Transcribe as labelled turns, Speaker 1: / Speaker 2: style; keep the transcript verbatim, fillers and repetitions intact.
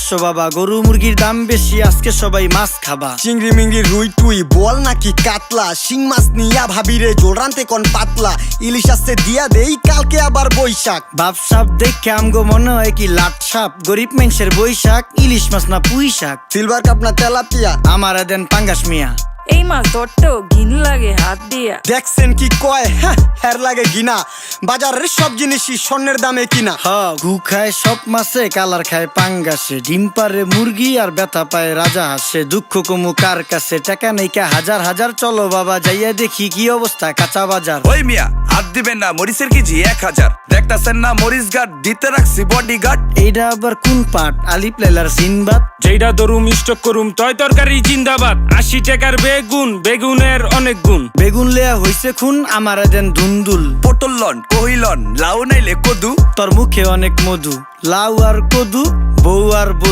Speaker 1: পাঁচশো বাবা, গরু মুরগির দাম বেশি, আজকে সবাই মাছ খাবা।
Speaker 2: চিংড়ি মিংড়ি রুই টুই বল নাকি কাতলা, শিং মাছ নিয়া ভাবিরে জোল রানতে কোন পাতলা, ইলিশ আসছে দিয়া দেই কালকে আবার বৈশাখ।
Speaker 1: বাপ সাপ দেখে আমগো মনে হয় কি লাট সাপ, গরিব মানুষের বৈশাখ, ইলিশ মাছ না পুঁই শাক।
Speaker 2: সিলভার কাপ না তেলাপিয়া,
Speaker 1: আমার দেন পাঙ্গাস মিয়া।
Speaker 3: এই মাছ ধরতেও ঘিন লাগে হাত দিয়া।
Speaker 2: দেখছেন কি কয়, হ্যাঁ হের লাগে গিনা, বাজারের সব জিনিসই স্বর্ণের দামে কিনা।
Speaker 1: হ ঘু খায় সব মাছে, কালার খায় পাঙ্গাসে, ডিম পারে মুরগি আর ব্যথা পায় রাজা হাসে। দুঃখ কমু কার কাছে, টাকা নেই কা হাজার হাজার, চলো বাবা যাইয়া দেখি কি অবস্থা কাঁচা বাজার।
Speaker 4: ওই মিয়া হাত দিবেন না, মরিচের কেজি এক হাজার, দেখতাছেন না মরিচ গার্ড দিতে রাখছি বডি গার্ড।
Speaker 1: এইটা আবার কোন পাট, আলিপ লাইলার সিনবাদ?
Speaker 5: যেইটা ধরুম স্টক করুম তয় তরকারি জিন্দাবাদ। আশি টাকার বেগুন, বেগুনের অনেক গুণ।
Speaker 1: বেগুন লেয়া হইছে খুন, আমার দেন ধুন্দুল।
Speaker 4: পটল লন কহিলন লাউ নাইলে কদু,
Speaker 1: তোর মুখে অনেক মধু, লাউ আর কদু, বউ আর বধূ।